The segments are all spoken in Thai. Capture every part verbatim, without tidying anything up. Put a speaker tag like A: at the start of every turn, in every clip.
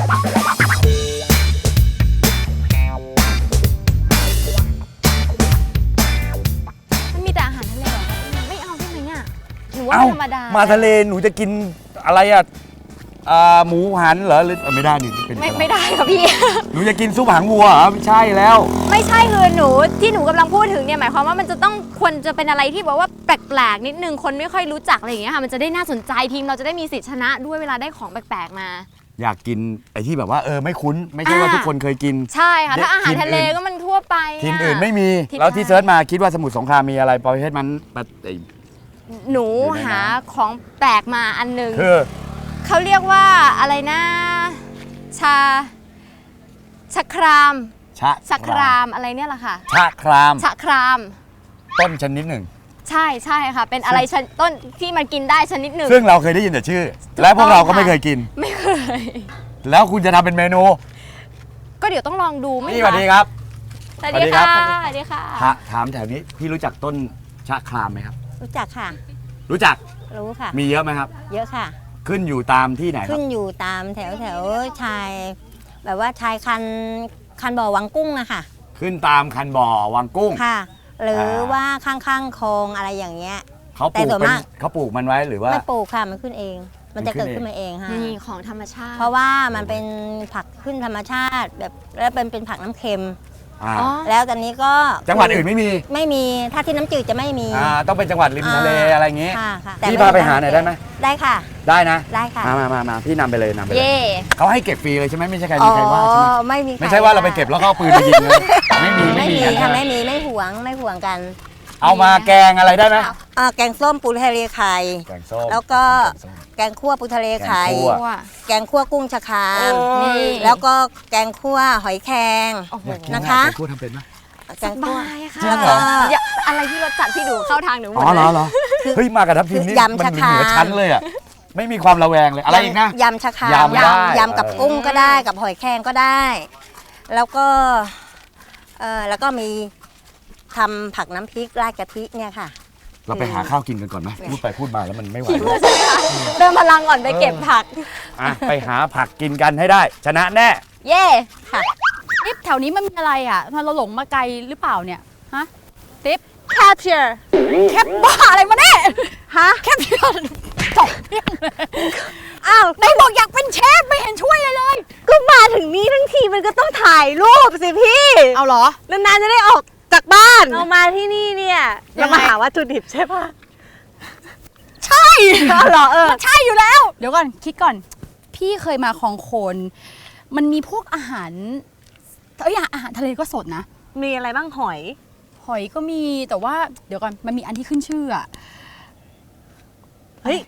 A: มันมีแต่อาหารทะเลเหรอไม่เอาใช่ไหมเนี่ยหนูว่า
B: เอ้า
A: ธรรมดา
B: มาทะเลหนูจะกินอะไรอ่ะอ่าหมูหันเหรอหรือเออไม่ได้นี่เป็น
A: ไม่ไม่ได้ค่ะพี่
B: หนูจะกินซุปหางวัวเหรอไม่ใช่แล้ว
A: ไม่ใช่คือหนูที่หนูกำลังพูดถึงเนี่ยหมายความว่ามันจะต้องควรจะเป็นอะไรที่แบบว่าแปลกๆนิดนึงคนไม่ค่อยรู้จักอะไรอย่างเงี้ยค่ะมันจะได้น่าสนใจทีมเราจะได้มีสิทธิชนะด้วยเวลาได้ของแปลกๆมา
B: อยากกินไอ้ที่แบบว่าเออไม่คุ้น ไม่ใช่ว่า
A: อ่า
B: ทุกคนเคยกิน
A: ใช่ค่ะถ้าอาหาร
B: ทีม
A: ทะเล
B: อื่น
A: ก็มันทั่วไป
B: ทีม
A: ะ
B: อื่นไม่มี
A: ที่
B: แล้วที่
A: ใช่
B: เซิร์ชมาคิดว่าสมุทรสงครามมีอะไรประเภทมันแบบไอ้
A: หนู
B: อยู่ใน
A: หา
B: น้ำ
A: ของแปลกมาอันหนึ่ง
B: คือ
A: เขาเรียกว่าอะไรนะชาชะคราม
B: ชะ
A: ชะครามอะไรเนี่ยแหละค่ะ
B: ชะคราม
A: ชะคราม
B: ต้นชนิดหนึ่ง
A: ใช่ใช่ค่ะ เป็นอะไรชนต้นที่มันกินได้ชนิดหนึ่ง
B: ซึ่งเราเคยได้ยินแต่ชื่อ
A: ถูก
B: และพวกเราก็
A: ต้องค่ะ
B: ไม่เคยกิน
A: ไม่เคย
B: แล้วคุณจะทำเป็นเมนู
A: ก็เดี๋ยวต้องลองดูไหม
B: นี่ส
A: คะ
B: วัสดีครับ
A: สวัสดีค่ะ
B: สวัสดีครับ
A: สวัสดีค่ะ
B: ถาถามแถวนี้พี่รู้จักต้นชะครามไหมครับ
C: รู้จักค่ะ
B: รู้จัก
C: รู้ค่ะ
B: มีเยอะไหมครับ
C: เยอะค่ะ
B: ขึ้นอยู่ตามที่ไหนครั
C: ขึ้
B: บ
C: นอยู่ตามแถวแถวชาย แบบว่าชายคันคันบ่อวังกุ้งอะค่ะ
B: ขึ้นตามคันบ่อวังกุ้ง
C: ค่ะ หรือ
B: อ่า
C: ว่าข้างๆคลองอะไรอย่างเงี้ย
B: เขาปลูก
C: แต่ส่วน
B: เป็น
C: มาก
B: เขาปลูกมันไว้หรือว่า
C: ไม่ปลูกค่ะมันขึ้นเอง มันจะ
B: มันขึ้
C: เกิ
B: น
C: ดขึ้นมาเองค่ะ
A: นี่ของธรรมชาติ
C: เพราะว่ามันเป็นผักขึ้นธรรมชาติแบบแล้วเป็นเป็นผักน้ำเค็ม
B: อ่า
A: อ๋อ
C: แล้วตอนนี้ก็
B: จังหวัดอื่นไม่มี
C: ไม่มีถ้าที่น้ำจืดจะไม่มี
B: อ่าต้องเป็นจังหวัดริมทะเล
C: อ่า
B: อะไรอย่างงี้
C: ค่ะค่ะ
B: พี่พาไปหาหน่อยได้ไหม
C: ได้ค่ะ
B: ได้นะ
C: ได้ค่ะ
B: มามามามาพี่นำไปเลยนำไปเลย
A: เย่
B: เขาให้เก็บฟรีเลยใช่ไหมไม่ใช่ใครมีใครว่าใช่ไหม
C: อ๋อไม่มี
B: ไม่ใช่ว่าเราไปเก็บแล้วก็เอาปืนไปยิงนะไม่มี
C: ไม่
B: ไม่มี
C: มี
B: กัน
C: ค่ะ
B: นะ
C: ไม่มีไม่หวงไม่หวงกัน
B: เอามาแกงอะไรได้ไหม
C: อ่าแกงส้มปูทะเลไข่
B: แกงส้ม
C: แล้วก็
B: แกงส้ม
C: แกงคั่วปูทะเลไข่
B: แกงคั่ว
A: ว่า
C: แกงคั่วกุ้งชะคราม
A: นี่
C: แล้วก็แกงคั่วหอยแครง
A: โอ้โห
B: อยากกิ
C: นะคะ
B: แกงคั่วทำเป็นไหม
C: แก
A: ส
C: งคั่ว
A: บายค่ะ
B: จริงเหรอ
A: อย่าอะไรที่รสจัดพี่ดูเข้าทางหนูหม
B: อ๋
A: ด
B: อเหร
A: เล
B: อย เหรอเฮ้ยมากับทัพทีมนี่
C: ยำ
B: มัน
C: ชะ
B: เห
C: คราม
B: นือชั้นเลยอ่ะไม่มีความระแวงเลยอะไรอีกนะ
C: ยำชะคราม
B: ยำได้
C: ยำกับ
B: เออ
C: กุ้งก็ได้กับหอยแครงก็ได้ แล้วก็เออแล้วก็มีทำผักน้ำพริกราดกะทิเนี่ยค่ะ
B: เราไปหาข้าวกินกันก่อนไหมพูดไปพูดมาแล้วมันไม่ไหว
A: เติมพลังก่อนไปเก็บผัก
B: อ่ะไปหาผักกินกันให้ได้ ชนะแน่
A: เย่
C: ค่ะ
D: ติ๊บแถวนี้มันมีอะไรอ่ะเราหลงมาไกลหรือเปล่าเนี่ยฮะติ๊บ
A: capture
D: แคปบ้าอะไรมาเนี่ยฮะแคปเชื่อจบเรื่องเลยอ้าวไหนบอกอยากเป็นเชฟไม่เห็นช่วยเลยเลย
E: ก็มาถึงนี้ทั้งทีมันก็ต้องถ่ายรูปสิพี่
D: เอาเหรอ
E: นานๆจะได้ออกจากบ้าน
D: อืม
E: เรามาที่นี่เนี่ย
D: ยั
E: เรา
D: งไง
E: มาหาวัตถุดิบใช่ปะ
D: ใช่
E: เอาเหรอเออ
D: ใช่อยู่แล้ว เดี๋ยวก่อนคิดก่อน พี่เคยมาคลองโคนมันมีพวกอาหารเอ้ยอาหารทะเลก็สดนะ
E: มีอะไรบ้างหอย
D: หอยก็มีแต่ว่าเดี๋ยวก่อนมันมีอันที่ขึ้นชื่ออะ
E: เฮ้ย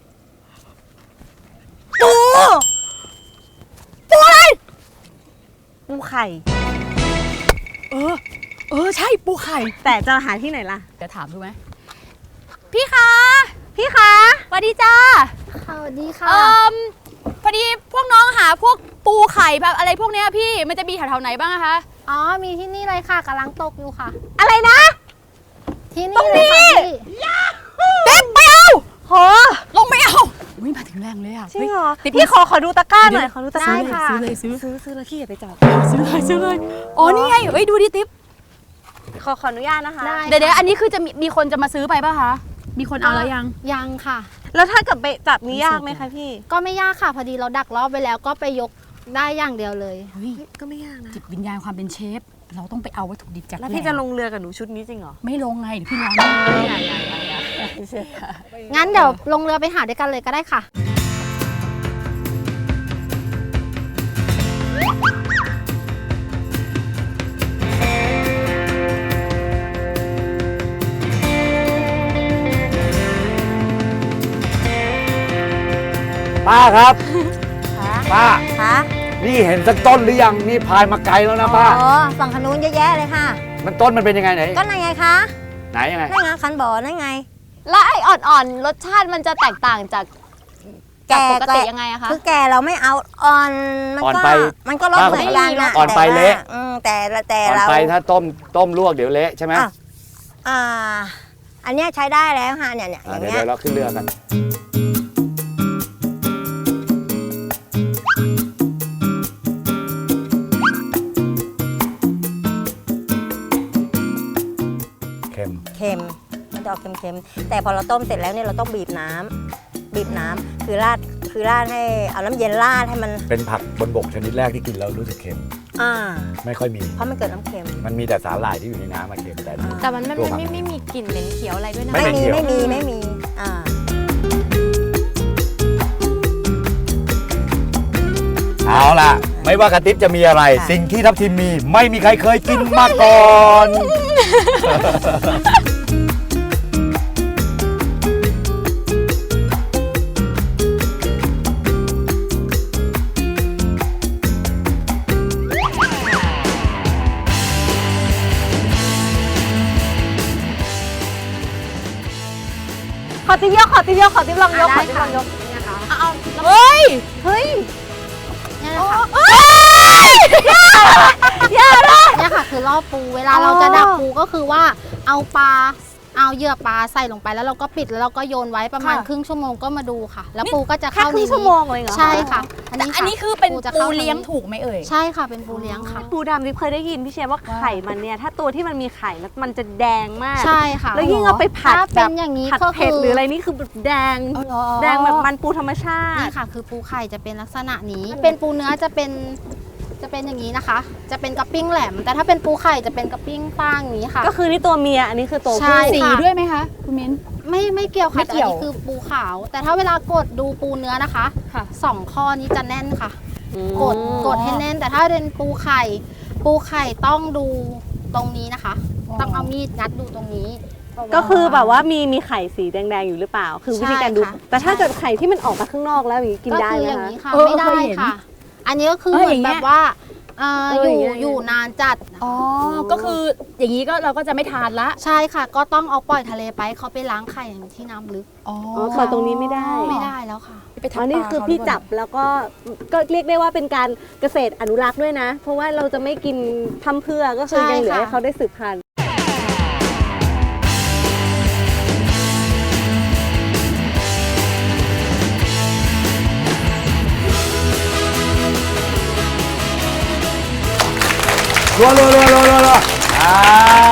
D: ปูปูอะไร
E: ปูไข่
D: เออ เออใช่ปูไข่
E: แต่จะหาที่ไหนล่ะ
D: เดี๋ยวถามดูไหมพี่คะ
E: พี่คะ
D: สวัสดีจ้า
A: สวัสดีค่ะ
D: เอ่มพอดีพวกน้องหาพวกปูไข่แบบอะไรพวกเนี้ยพี่มันจะมีแถวๆไหนบ้างอะคะ
A: อ๋อมีที่นี่เลยค่ะกำลังตกอยู่ค่ะ
E: อะไรนะ
A: ที่นี่เลยค่ะพี่
D: เด็กไม่เอา
E: โห
D: ลงไม่เอาอุ้ยมาถึงแรงเลยอะ
E: จริงเหรอ
D: ฮ้ย
E: พี่ขอขอดูตะกร้าหน่อยขอดูตะกร้า
D: ซื้อเลยซื้อเลยซื้อ
E: ซื้อซื้อแล้วพี่อย่าไปจับ
D: ซื้อเลยซื้อเลยอ๋อนี่ไงเอ้ยดูดิติ๊บ
E: ขอขออนุญาตนะคะ
A: ได้
D: เดี๋ยวเดี๋ยวอันนี้คือจะมีมีคนจะมาซื้อไปป่ะคะมีคนเอาแล้วยัง
A: ยังค่ะ
E: แล้วถ้าเกิดไปจับนี่ยากไหมคะพี่
A: ก็ไม่ยากค่ะ พอดีเราดักรอบไว้แล้วก็ไปยกได้อย่างเดียวเลย
D: เฮ้ย
E: ก็ไม่ยากนะ
D: จิตวิญญาณความเป็นเชฟเราต้องไปเอาวัตถุดิบจาก
E: แล้วพี่จะลงเรือกับหนูชุดนี้จริงเหรอ
D: ไม่ลงไงเดี๋ยวพี่ร้อนอย่าอย่าอย่าอย่า
A: งั้นเดี๋ยวลงเรือไปหาด้วยกันเลยก็ได้ค่ะ
B: ป้าครับ
C: ค่ะ
B: ป้า
C: ค่ะ
B: นี่เห็นสักต้นหรือยังนี่พายมาไกลแล้วนะป้า
C: อ๋อฝั่งขนุนเยอะแยะเลยค่ะ
B: มันต้นมันเป็นยังไงไหน
C: ก็นั่นไงคะ
B: ไหนยังไง
C: นั่นไงคันบ่อนั่นไง
A: แล้วไอ้อ่อนๆรสชาติมันจะแตกต่างจากจากปกติ
C: แก่
A: ยังไงอะคะ
C: คือแก่เราไม่เอาอ่อนมัน
B: อ่อน
C: ก็
B: ไป
C: มันก็รสเหมือนกันนะ
B: อ่อนไป
C: แต่ว่า
B: เละ
C: อืมแต่ละแต่
B: ก่อน
C: เรา
B: ไปถ้าต้มต้มลวกเดี๋ยวเละใช่ไหม
C: อ่ะอ่า อันเนี้ยใช้ได้แล้วค่ะเนี่ยเนี่ยอ
B: อ่ะ
C: ย่าง
B: เดี๋ยว
C: เงี้ย
B: เดี๋ยวเราขึ้นเรือกัน
C: ค็มแต่พอเราต้มเสร็จแล้วเนี่ยเราต้องบีบน้ำบีบน้ำคือราดคือราดให้เอาน้ำเย็นราดให้มัน
B: เป็นผักบนบกชนิดแรกที่กินแล้วรู้สึกเค็ม
C: อ่า
B: ไม่ค่อยมี
C: เพราะมันเกิดน้ำเค็ม
B: มันมีแต่สาหร่ายที่อยู่ในน้ำมาเค็มแต่นี่
A: แต่มันไม่
B: ตัว
A: ไม่
B: ผัก
A: ไม่ไม่มีกลิ่นเหม็นเขียวอะไรด้วยนะ
B: ไม่
C: ไม่
B: เป็น
C: มี
B: เขียว
C: ไม่มีไม่มีอ่า
B: เอาล่ะ ไม่ว่ากระติบจะมีอะไร
C: ค่ะ
B: สิ่งที่ทับทิมมีไม่มีใครเคยกินมาก่อน
E: ขอติ๊บยกขอติ๊บยกขอติ๊บลองยกขอติ๊บลองยก
D: เฮ้ย
E: เฮ้ย
F: เนี่ยค่ะคือล่อปูเวลา
E: อ๋อ
F: เราจะดักปูก็คือว่าเอาปลาเอาเหยื่อปลาใส่ลงไปแล้วเราก็ปิดแล้วเราก็โยนไว้ประมาณ
D: ค่ะ
F: ครึ่งชั่วโมงก็มาดูค่ะ แล้วปูก็จะ
E: แค่
F: เข้า
E: ครึ่
F: ใน
E: งชั่วโมงเลยเหรอ
F: ใช่ค่ะ อัน
D: แต่
F: นี้
D: อัน
F: ค่ะ
D: นี้คือเป็น
F: จะ
D: ปู
F: ข้า
D: เลี้ยง
F: ในนี้
D: ถูกไหมเอ่ย
F: ใช่ค่ะเป็นปูเลี้ยงค่ะ
E: ปูดำริบเคยได้ยินพี่เชฟว่าไข่มันเนี่ยถ้าตัวที่มันมีไข่แล้วมันจะแดงมาก
F: ใช่ค่ะ
E: แล้วยิ่งเอาไปผัด
F: ถ้า
E: แบ
F: เป็น
E: บ
F: อย่างนี้
E: ผัด
F: ก็
E: เผ็ด
F: คือ
E: หรืออะไรนี่คือแบบแดง แดงแบบมันปูธรรมชาติ
F: นี่ค่ะ คือปูไข่จะเป็นลักษณะนี้ เป็นปูเนื้อจะเป็นจะเป็นอย่างนี้นะคะ จะเป็นกระปิ้งแหลม แต่ถ้าเป็นปูไข่จะเป็นกระปิ้งป้างอย่างนี้ค่ะ
E: ก็คือนี่ตัวเมียอันนี้คือตัว
F: ใช่
E: ผู้
D: สีด้วยไหมคะคุณมิ้น
F: ไม่ไม่เกี่ยว
D: ไม่
F: ค่ะแต่
D: เกี่
F: อัน
D: ยว
F: นี้คือปูขาว แต่ถ้าเวลากดดูปูเนื้อนะคะ
D: ค่ะ
F: สองข้อนี้จะแน่นค่ะ
E: อืม
F: กดกดให้แน่น แต่ถ้าเป็นปูไข่ ปูไข่ต้องดูตรงนี้นะคะ ต้องเอามีดงัดดูตรงนี้
E: ก็คือแบบว่ามีมีไข่สีแดงๆอยู่หรือเปล่า คือวิธีการดู
F: ใช่ค่ะ
E: แต่ถ้าเกิดไข่ที่มันออกมาข้างนอกแล้วอย่างนี้กิน
F: ก็
E: ได้
F: คือ
E: ไหม
F: อย่าง
E: คะ
F: นี้ค่ะ
D: เออ
F: ไม่ได้
D: เคยเห็น
F: ค่ะ อันนี้ก็คือ
D: เออ
F: เหมื
D: อ
F: อน
D: ย่างเงี้
F: แบ
D: ย
F: บว่าเอ่อ
E: เออ
F: อ
E: อย่าง
F: ยู่
E: เงี้ย
F: อยู่นานจัด
D: อ๋อ ก็คืออย่างนี้ก็เราก็จะไม่ทานละ
F: ใช่ค่ะ ก็ต้องเอาปล่อยทะเลไปเขาไปล้างไข่ที่น้ำลึก
D: อ๋อ
E: อ๋อเปิดตรงนี้ไม่ได้
F: ไม่ได้แล้วค่ะ
D: ไปทับ
E: อ๋อนี่
D: ปลา
E: คือ
D: เขา
E: พี่
D: หรือเป
E: จั
D: ล่า
E: บแล้วก็ก็เรียกได้ว่าเป็นการเกษตรอนุรักษ์ด้วยนะ เพราะว่าเราจะไม่กินทำเพื่อก็คือ
F: ใช่
E: ยังเหลือ
F: ค่ะ
E: ให้เขาได้สืบพันธุ์
B: รัวรัวรัวรัวรัวรัวอ่า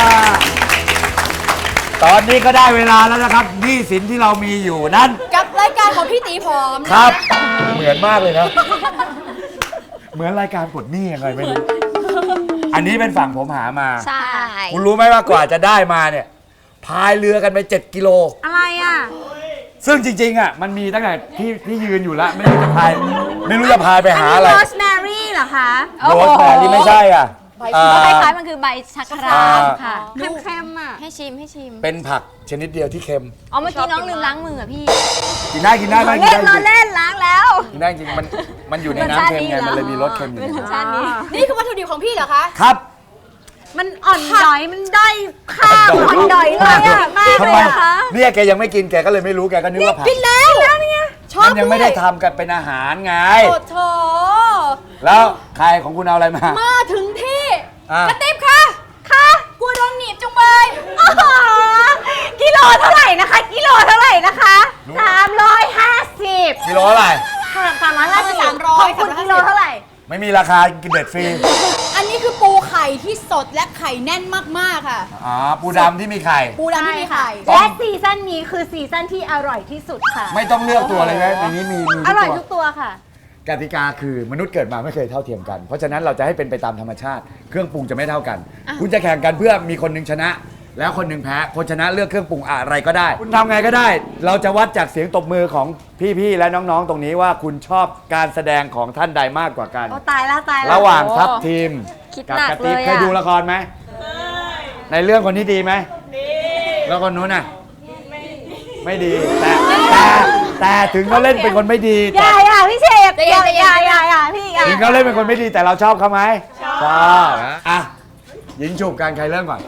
B: ตอนนี้ก็ได้เวลาแล้วนะครับหนี้สินที่เรามีอยู่นั้น
D: กับรายการของพี่ตีพร้อม
B: ครับ เหมือนมากเลยนะ เหมือนรายการกดหนี้ยังไงไม่รู้ อันนี้เป็นฝั่งผมหามา
A: ใช่
B: คุณรู้ไหมว่ากว่าจะได้มาเนี่ย พายเรือกันไปเจ็ดกิโล
E: อะไรอ่ะ
B: ซึ่งจริงๆอ่ะมันมีตั้งแต่ที่ที่ยืนอยู่แล้ว ไม่รู้จะพาย ไม่รู้จะพายไปหาอะไร
E: โรสแมรี่เหรอคะ
B: โรสแมรี่ไม่ใช่อ่ะอ่า
A: คล้ายๆมันคือใบชักรามค่ะ
E: เค็มๆอ่ะ
A: ให้ชิมให้ชิม
B: เป็นผักชนิดเดียวที่เค็ม
A: อ๋อเมื่อกี้น้องลืมล้างมืออะพี่
B: กินได้กินได้ไหมกิน
E: เล่
B: ได้
E: น
B: จ
E: ล้อ
B: ริง
E: เล่นล้างแล้ว
B: กินได้จริงมันมันอยู่ในน้ำเค็มไงมันเลยมีรสเค็มอยู่
A: เป็นรสชาตินี้
D: นี่คือวัตถุดิบของพี่เหรอคะ
B: ครับ
E: มันอ่อนดอยมันด้อยค่าอ่อนดอยเลยอ่ะมาก
B: ทำ
E: เล
B: ไม
E: ยอะคะ
B: เนี่ยแกยังไม่กินแกก็เลยไม่รู้แกก็นึกว่าผัก
D: กินแล้วแล้วเนี่ยชอบ
B: มันยังไม่ได้
D: ด้วย
B: ทำกันเป็นอาหารไง
D: โอ้โถ
B: แล้วใครของคุณเอาอะไรมา
D: มาถึงที่
B: อ่ะ
D: กระติบค่ะ ค่ะ กลัวโดนหนีบจุงเบย
E: อ๋อกิโลเท่าไหร่นะคะ กิโลเท่าไหร่นะคะสามร้อยห้าสิบ
B: กิโลเท่าไหร่
E: ค่ะสามร้อยห้าสิบ
D: สามร้อย
E: ของคุณกิโลเท่าไหร่
B: ไม่มีราคากินเด็ดฟรี
D: อันนี้คือปูไข่ที่สดและไข่แน่นมากๆค่ะ
B: อ๋อปูดำที่มีไข่
D: ปูดำที่มีไข่
E: และซีซั่นนี้คือซีซั่นที่อร่อยที่สุดค่ะ
B: ไม่ต้องเลือกตัวเลยนะในนี้มีมี
E: อ
B: ทุก
E: ร่อย
B: ตัว
E: ทุกตัวค่ะ
B: กติกาคือมนุษย์เกิดมาไม่เคยเท่าเทียมกัน เพราะฉะนั้นเราจะให้เป็นไปตามธรรมชาติ เครื่องปรุงจะไม่เท่ากัน คุณจะแข่งกันเพื่อมีคนหนึ่งชนะ แล้วคนหนึ่งแพ้ คนชนะเลือกเครื่องปรุงอะไรก็ได้ คุณทำไงก็ได้ เราจะวัดจากเสียงตบมือของพี่ๆและน้องๆ ตรงนี้ว่าคุณชอบการแสดงของท่านใดมากกว่ากัน
E: โอ้ตายแล้วตายแล้ว
B: ระหว่างทัพทีม
A: คิด
B: กั
A: หนัก
B: กระติบ
A: เลยอะ
B: เคยดูละครไหมในเรื่องคนนี้ดีไหมดีแล้วคนนู้นน่ะไม่ดีแต่แต่แต่ถึงเขาเล่นเป็นคนไม่ดี
E: อย่า
B: แต่
E: อย่าพี่เชฟอย่าอย่าอย่าอย่าพี่อย่า
B: ถึงเขาเล่นเป็นคนไม่ดีแต่เราชอบเขาไหมชอบนะอ่ะยิงจูบกันใครเริ่มก่อน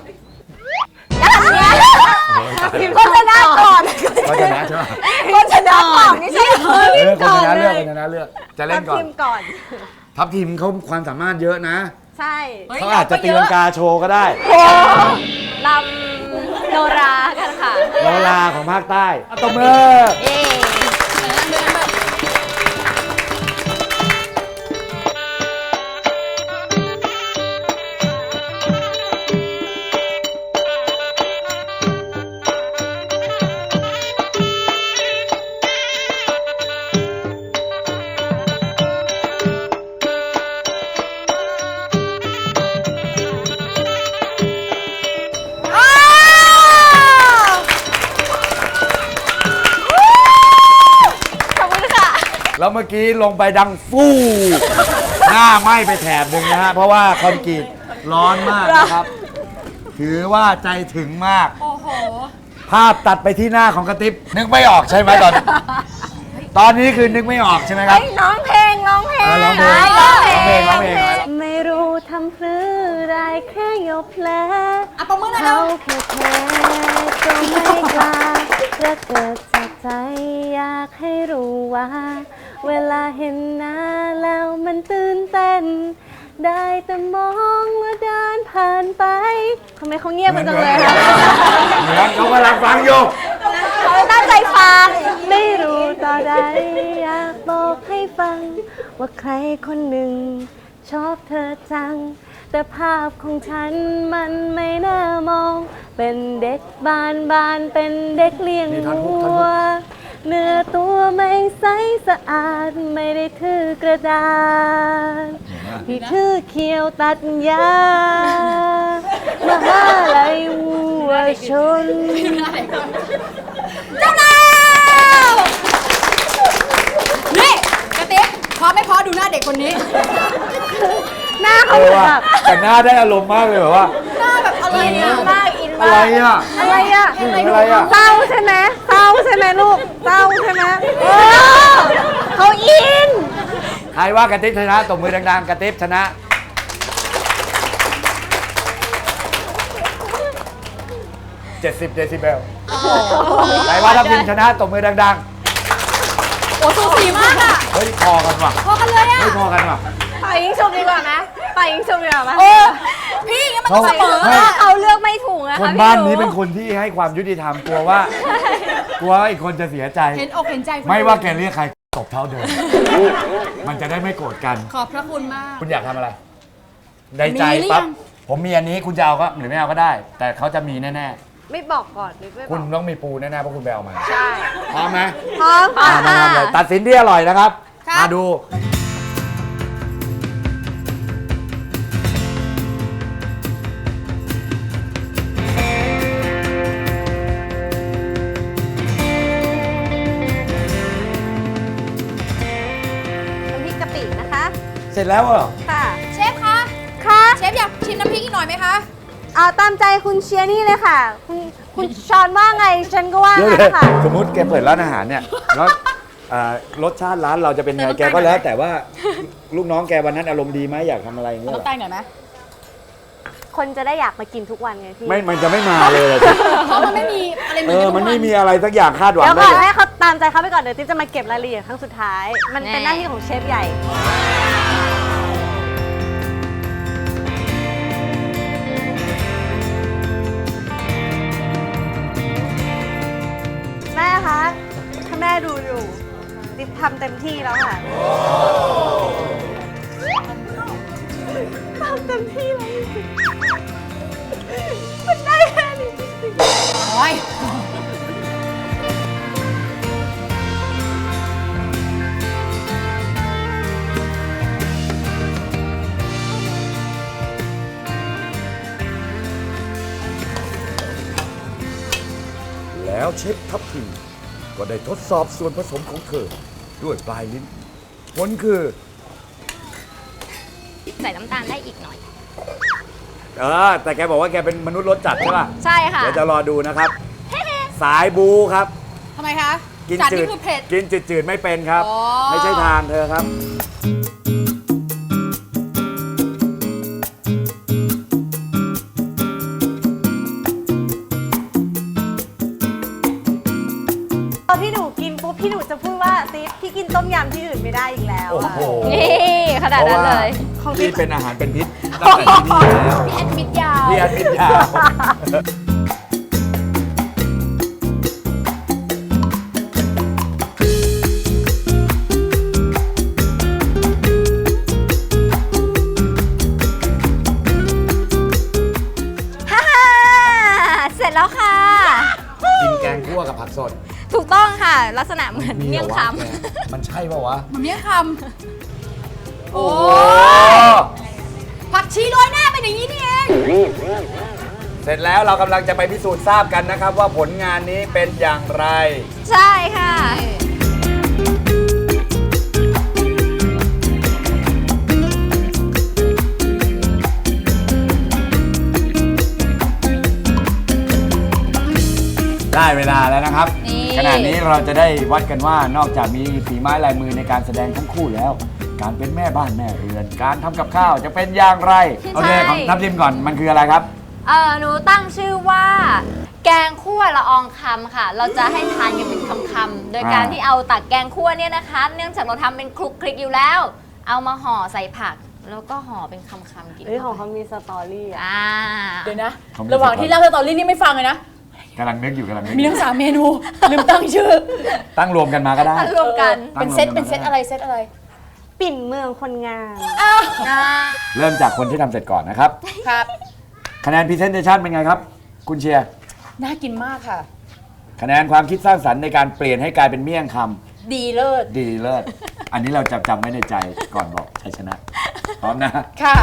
E: คนชนะก่อน
B: เขาชนะใช่ไหม
E: คนชนะก่อนนี่ใช่เหรอ
B: เออคนชนะเลือกคนชนะเลือกจะเล่นก่อน
E: ทีมก่อน
B: ทัพทีมเขาความสามารถเยอะนะ
E: ใช่
B: เขาอาจจะตีลังกาโชว์ก็ได้
E: โอ้
A: ลำโนรากันค่ะ
B: โนราของภาคใต้ตบมือ
A: เอ๊
B: แล้วเมื่อกี้ลงไปดังฟู่หน้าไหม้ไปแถบหนึ่งนะฮะเพราะว่าคอนกรีตร้อนมากนะครับ ถือว่าใจถึงมาก
D: โอ้โห
B: ภาพตัดไปที่หน้าของกระติบนึกไม่ออกใช่ไหมตอนตอนนี้คือนึกไม่ออกใช่ไหมครับ
E: ร้องเพลงร้องเพลง
B: อ่ะร้องเพลง
E: ร้องเพล
B: ร้องเพลง
E: ง
B: ร้องเพลง
E: ไม่รู้ทำพรือได้แค่ยกแผล
D: อ่ะประมือหน่อยเร็
E: เขา
D: ว
E: แค่แพ้ก็ไม่กล้าจะเกิดจากใจอยากให้รู้ว่า เวลาเห็นหน้าแล้วมันตื่นเต้น ได้แต่มองและเดินผ่านไปทำไมเขาเงียบกันจังเลยคะ
B: เหมือนเขากำลังฟังอยู่
E: เขาตั้งใจฟัง ไม่รู้ต่อใดอยากบอกให้ฟัง ว่าใครคนหนึ่ง ชอบเธอจัง แต่ภาพของฉันมันไม่น่ามอง เป็นเด็กบ้านบ้านเป็นเด็กเลี้ยง
B: นี่ท่อนฮุก
E: วั
B: ท่อน
E: ว
B: ฮุก
E: เนื้อตัวไม่ใสสะอาดไม่ได้ถือกระดาษที่ถือเขียวตัดยามหาลัยวัวชน
D: เจ้าแล้วนี่กระติ๊บพอไม่พอดูหน้าเด็กคนนี้
E: หน้า
B: เอ
E: เขา
B: อ
E: เหมือน
B: ว่า
E: แบบ
B: แต่หน้าได้อารมณ์มากเลยแบบว่า
D: หน้าแบบอะไรเนี่ย
E: มากอิน
B: อะ
E: มา
B: ไร
E: ก
B: อ่ะ
E: อะไรอ่ะ
B: อะไรอ่ะ
E: เศร้าใช่ไหมเศร้าใช่ไหมลูกเศร้าใช่ไหมเออเขาอิน
B: ใครว่ากระติบชนะตบมือดังๆกระติบชนะเจ็ดสิบเดซิเบลใครว่าทัพทิมชนะตบมือดัง
D: โอ้สูสีมากอ่ะ
B: ๆเฮ้ยพอกันว่ะ
D: พอกันเลยอ่ะ
B: เฮ้ยพอกันว่ะ
E: ปล่อยยิงชุบดีกว่าไหมปล่อยยิงชุบดีกว่าไหม
D: เออพี่งั้นมันต้องเสมอ
B: ไม่
D: อะ
E: เขาเลือกไม่ถูกนะ
B: ค
E: คะ
B: น
E: พี่
B: บ้าน
E: ห
B: นี้เป็นคนที่ให้ความยุติธรรมกลัวว่า กลัวว่าอีกคนจะเสียใจ
D: เห็นอกเห็นใจคุณ
B: ไม่ว่าแกเรียกใครตบเท่าเดิม มันจะได้ไม่โกรธกัน
D: ขอบพระคุณมาก
B: คุณอยากทำอะไร ในใจ
D: มีหรือ
B: ปั๊บ
D: ยัง
B: ผมมีอันนี้คุณจะเอาก็หรือไม่เอาก็ได้ แต่เขาจะมีแน่
E: ไม่บอกก่อนหรือไม่
B: ๆ
E: บ
B: คุณ
E: อก
B: ต้องมีปูแน่ๆเพราะคุณไปเอามา
E: ใช่
B: พร้อมไหม
E: พร้อม
B: อ่ะมาทำเลยตัดสินที่อร่อยนะครับ
D: ครับ
B: มาดู
E: น้ำพริกกะปินะคะ
B: เสร็จแล้วเหรอ
E: ค่ะ
D: เชฟคะ
E: ค่ะ
D: เชฟอยากชิมน้ำพริกอีกหน่อยไหมคะ
E: เอาตามใจคุณเชียร์นี่เลยค่ะ คุณคุณชอนว่าไงฉันก็ว่า
B: เดี๋ยว
E: งั้
B: เลย
E: นค่ะ
B: สมมติแกเปิดร้านอาหารเนี่ยแล้วอ่ารสชาติร้านเราจะเป็นไงแกก็แล้ว แต่ว่าลูกน้องแกวันนั้นอารมณ์ดีไหมอยากทำอะไรอย่างเงี้ย
D: ต้อง
B: เหรอ
D: ใต้หน่อยไหม
E: คนจะได้อยากมากินทุกวันไงพี่
B: ไม่มันจะไม่มาเลยอะสิ
D: เพราะมันไม่มีอะไรเหมื
B: เอ
D: อน
B: อ
D: กัน
B: มันไม่
D: ทุกวั
B: มีอะไรสักอย่างคาดหวัง
E: เดี๋ยว
B: ได้
E: ก่อน
B: เลย
E: ให้เขาตามใจเขาไปก่อนเดี๋ยวติ๊บจะมาเก็บรายละเอียดครั้งสุดท้าย มันเป็นหน้าที่ของเชฟใหญ่ แม่คะ ถ้าแม่ดูอยู่ติ๊บทำเต็มที่แล้วค่ะทำเต็มที่แล้วจริงๆมันได้แค่นี้จริงๆ
D: โอ้ย
B: แล้วเชฟทัพทิมก็ได้ทดสอบส่วนผสมของเธอ ด้วยปลายลิ้น ผลคือ
A: ใส่น้ำตาลได้อีกหน่อย
B: เออ แต่แกบอกว่าแกเป็นมนุษย์รสจัดใช่ป่ะ
A: ใช่ค่ะ
B: เดี๋ยวจะรอดูนะครับ สายบูครับ
D: ทำไมคะ
B: กิน
D: จัด
B: จื
D: นี่
B: ด
D: คือเผ็ด
B: กินจืดๆไม่เป็นครับ
D: อ๋อ
B: ไม่ใช่ทางเธอครับ
E: พอพี่หนูกินปุ๊บพี่หนูจะพูดว่าติ๊บพี่กินต้มยำที่อื่นไม่ได้อีกแล้ว
B: โอ้
E: อะ
B: โห
A: นี่ขนาด
B: เพราะ
A: นั้น
B: ว่า
A: เลย
B: พี่เป็นอาหารเป็นพิษตั้งแต่ที่นี่แล้ว
D: แอดมิดยาว
B: พี่อาทิตย์ยาว
A: ฮ่าเสร็จแล้วค่ะ
B: กินแกงคั่วกับผักสด
A: ถูกต้องค่ะ ลักษณะเหมือนเมี่ยงค
B: หรอวะแกมันใช่ป่าวะ
D: มันเมี่ยงคำ โอ้
B: โอ้
D: ผักชีโรยหน้าเป็นอย่างนี้นี่เอง
B: เสร็จแล้วเรากำลังจะไปพิสูจน์ทราบกันนะครับ ว่าผลงานนี้เป็นอย่างไร
A: ำใช่ค่ะ
B: ได้เวลาแล้วนะครับ
D: นี่
B: ขณะนี้เราจะได้วัดกันว่านอกจากมีฝีไม้ลายมือในการแสดงทั้งคู่แล้ว การเป็นแม่บ้านแม่เรือน การทำกับข้าวจะเป็นอย่างไร โอเคของทัพทิมก่อนมันคืออะไรครับ
A: เออหนูตั้งชื่อว่า แกงคั่วละอองคำค่ะ เราจะให้ทานกันเป็นคำๆโดยการ
B: อ่า
A: ที่เอาตักแกงคั่วเนี่ยนะคะ เนื่องจากเราทำเป็นคลุกคลิกอยู่แล้ว เอามาห่อใส่ผัก แล้วก็ห่อเป็นคำๆกิน
E: เฮ้ยของเขามีสตอรี่อ่ะ
A: อ่า
D: เดี๋ยวนะ ระหว่างที่เล่าสตอรี่นี่ไม่ฟังเลยนะ
B: กำลังนึกอยู่กำลังนึกอ
D: มี
B: ยู่
D: ทั้งสามเมนู ลืมตั้งชื่อ
B: ตั้งรวมกันมาก็ได้
A: ตั้งรวมกัน
D: เป็นเซตเป็นเซตอะไรเซตอะไร
E: ปิ่นเมืองคนงาม
B: เริ่มจากคนที่ทำเสร็จก่อนนะครับ
D: ครับ
B: คะแนนพรีเซนเทชันเป็นไงครับ คุณเชียร์
D: น่ากินมากค่ะ
B: คะแนนความคิดสร้างสรรค์ในการเปลี่ยนให้กลายเป็นเมี่ยงคำ
D: ดีเลิศ
B: ดีเลิศ อันนี้เราจำจำไว้ในใจก่อนบอกชัยชนะ พร้อมนะ
D: ค่ะ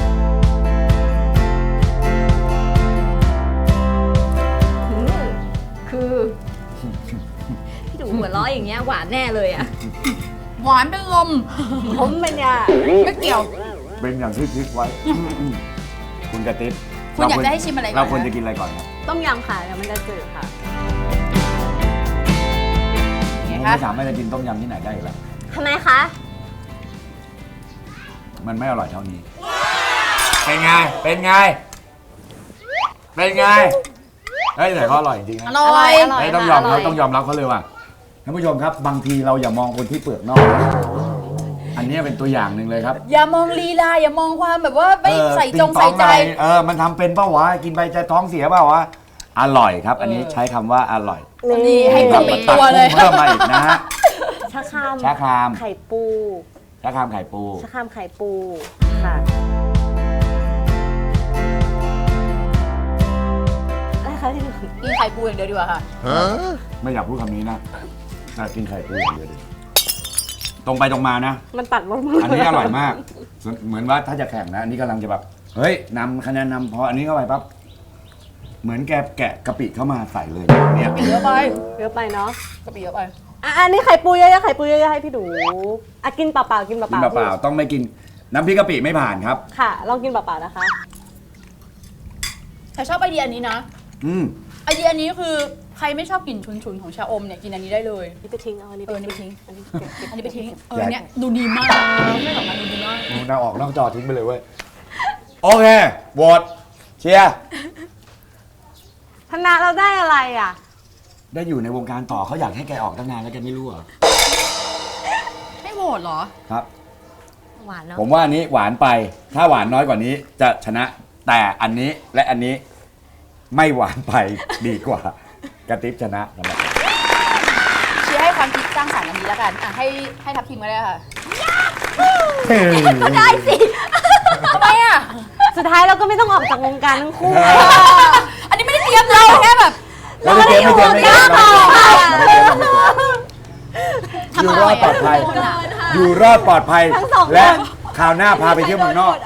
A: คือพี่ดูหัวเราะอย่างเงี้ยหวานแน่เลยอ่ะ
D: หวานเป็นลม
E: ผมเป็นยา
D: ไม่เกี่ยว
B: เป็นอย่างที่คิดไว้ คุณกระติ๊บ
D: คุณอยากจะให้ชิมอะไรก่อน
B: เราควร
D: นะ
B: จะกินอะไรก่อนครับ
E: ต้มยำค่ะเดี๋ยวมันจะจืดค่ะ
D: ไง
B: ผม
D: คะ
B: ไม่สามารถจะกินต้มยำที่ไหนได้อีกแล้ว
A: ทำไมคะ
B: มันไม่อร่อยเท่านี้ เป็นไง เป็นไง เป็นไง เฮ้ยแต่เขาอร่อยจริงๆ
D: อ
B: นะ
D: ร่อย
A: อร่อย
B: เฮ้ยต้องยอมเขาต้องยอมรับเขาเลยว่ะท่านผู้ชมครับ บางทีเราอย่ามองคนที่เปลือกนอก อันนี้เป็นตัวอย่างหนึ่งเลยครับ
D: อย่ามองลีลา อย่ามองความแบบว่าไม่
B: เออ
D: ใส่จง
B: ติ๊
D: ใส่
B: ต๊อ
D: ใจ
B: อะไรเออ มันทำเป็นเปล่าวะ กินไปจะท้องเสียเปล่าวะ อร่อยครับ อันนี้
D: เออ
B: ใช้คำว่าอร่อย
D: นี่ให้เพิ่มอีกตัวเลย
B: เพิ่มมาอีกนะฮะ
E: ชะคราม
B: ชะคราม
E: ไข่ปู
B: ชะครามไข่ปู
E: ชะครามไข่ปูค่ะอะไรคะที่หนู
D: กินไข่ปูอย่างเดียวดีกว่าค่ะ
B: ไม่อยากพูดคำนี้นะแต่กินไข่ปูอย่างเดียวดิตรงไปตรงมานะ
E: มันตัดลงมา
B: อันนี้อร่อยมากส่วนเหมือนว่าถ้าจะแข่งนะ อันนี้กำลังจะแบบ เฮ้ยนำคะแนนนำพออันนี้เข้าไปปั๊บ เหมือนแกแกะกะปิเข้ามาใส่เลยเนี่ย
D: เยอะไป
E: เยอะไปเนาะ
D: กะปิเยอะไป
E: อ่ะอันนี้ไข่ปูเยอะๆไข่ปูเยอะๆให้พี่ดูอ่ะกินเปล่าๆกินเป
B: กิน
E: ล่าๆ
B: เปล่าๆต้องไม่กินน้ำพริกกะปิไม่ผ่านครับ
E: ค่ะ ลองกินเปล่าๆนะคะ
D: แต่ชอบไอเดียอันนี้นะ
B: อืม
D: ไอเดียอันนี้คือใครไม่ชอบกลิ่นฉุนๆของชาอมเนี่ยกินอันนี้ได้เลย
E: นี่ไปทิ้งเอาอันนี้
D: เออนี่ไปทิ้ง
E: อันนี้เก็บเก็บ
D: อันนี้ไปทิ้ง เอ
B: อยา
D: อก เนี่ยดูดีมากไม่ออกมาดูดีมาก
B: น่าออกนอกจอทิ้งไปเลยเว้ย โอเคโหวตเชียร์
E: ชนะเราได้อะไรอ่ะ
B: ได้อยู่ในวงการต่อเขาอยากให้แกออกตั้งนานแล้วแกไม่รู้เหรอ
D: ให้โหวตเหรอ
B: ครับ
A: หวานเนาะ
B: ผมว่าอันนี้หวานไป ถ้าหวานน้อยกว่านี้จะชนะ แต่อันนี้และอันนี้ไม่หวานไปดีกว่ากระติบชนะสำหรับ
D: เชียร์ให้ความคิดสร้างสรรค์อันนี้แล้วกัน อ่ะให้ให้ทัพทีมก็ได้ค่ะ
A: ก็ได้สิ
D: ทำไมอ่ะ
E: สุดท้ายเราก็ไม่ต้องออกจากวงการทั้งคู่
D: อันนี้ไม่ได้เตรียมเราแค่แบบ
B: เราไม่เตรียมไม่เตรียมไม่เตรียมเราไม่เตรียมเราไม่เตรียมอยู่รอดปลอดภัย อยู่รอดปลอดภัย และคราวหน้าพาไปเที่ยวเมืองนอก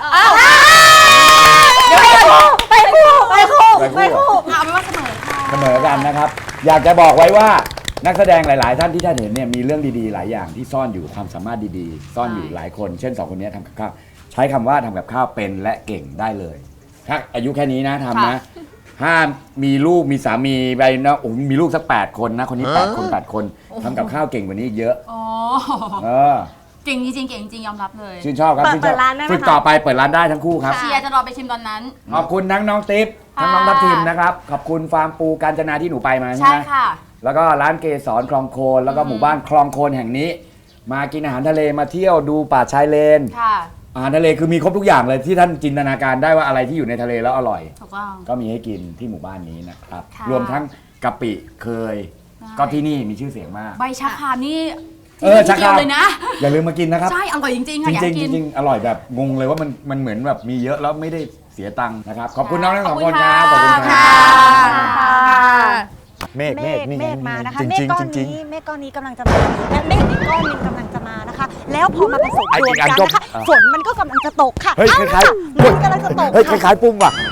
E: ไปคู่ไปคู่ไปคู่
B: ไปคู่
D: เอาเป็นว่าเสมอค่ะ
B: เสมอกันนะครับ อยากจะบอกไว้ว่านักแสดงหลาย ๆ ท่านที่ท่านเห็นเนี่ยมีเรื่องดีๆ หลายอย่างที่ซ่อนอยู่ความสามารถดีๆ ซ่อนอยู่หลายคน เช่นสองคนนี้ทำกับข้าวใช้คำว่าทำกับข้าวเป็นและเก่งได้เลย ถ้าอายุแค่นี้นะทำนะห้ามมีลูกมีสามีไปนะโอ้โหมีลูกสักแปดคนนะคนนี้แปดคนแปดคนทำกับข้าวเก่งกว่านี้อีกเยอะ
D: อ๋อ
B: เออ
D: เก่งจริงๆเก่งจริงยอมรับเลย
B: ชื่นชอบครับชื่นชอบฝึกต่อไปเปิดร้านได้ทั้งคู่ครับ
D: เชียร์จะรอไปชิมตอนนั้น
B: ขอบคุณทั้งน้องติ๊บทั้งน้องทัพทิมนะครับขอบคุณฟาร์มปูกาญจนาที่หนูไปมาใช่
D: ใช่
B: ไหม
D: ค่ะ
B: แล้วก็ร้านเกสรคลองโคนแล้วก็หมู่บ้านคลองโคนแห่งนี้ มากินอาหารทะเลมาเที่ยวดูป่าชายเลน
D: ค่ะ
B: อาหารทะเลคือมีครบทุกอย่างเลยที่ท่านจินตนาการได้ว่าอะไรที่อยู่ในทะเลแล้วอร่อย
D: ถูกต้อง
B: ก็มีให้กินที่หมู่บ้านนี้นะครับ
D: ค่ะ
B: รวมทั้งกะปิเคย
D: ใช่
B: ก็ที่นี่มีชื่อเสียงมาก
D: ใบชะครามนี่
B: เออ
D: ที่
B: ชะคราม
D: เดียวเลยนะ
B: อย่าลืมมากินนะครับ
D: ใช่ อร่อยจริงๆ
B: จ
D: ค่ะอยา
B: ริ
D: ก
B: ง
D: กิน
B: ๆจริงๆอร่อยแบบงงเลยว่ามันมันเหมือนแบบมีเยอะแล้วไม่ได้เสียตังค์นะครับขอบคุณน้องทั้งสองคนครับขอบคุณค
D: ค่ะ
B: รับเมฆ
G: เม
B: เมฆ
G: ฆ
B: นี่
G: เมฆมานะคะ
B: จริง
G: เมฆ
B: จริง
G: ก้อน
B: จริง
G: นี้เมฆก้อนนี้กำลังจะมาและเมฆอีกก้อนหนึงกำลังจะมานะคะ แล้วพอมาผสม
B: ไอ้
G: รว
B: อี
G: ม
B: กอั
G: กัน น
B: ก็
G: นะคะ
B: อ่ะ
G: ฝนมันก็กำลังจะตกค่ะ
B: เฮ้ย
G: เอ้า
B: คล้ายๆ
G: ฝนกำลังจะตก
B: เฮ้ยค
G: ค่ะ
B: ล้ายๆปุ้งว่ะ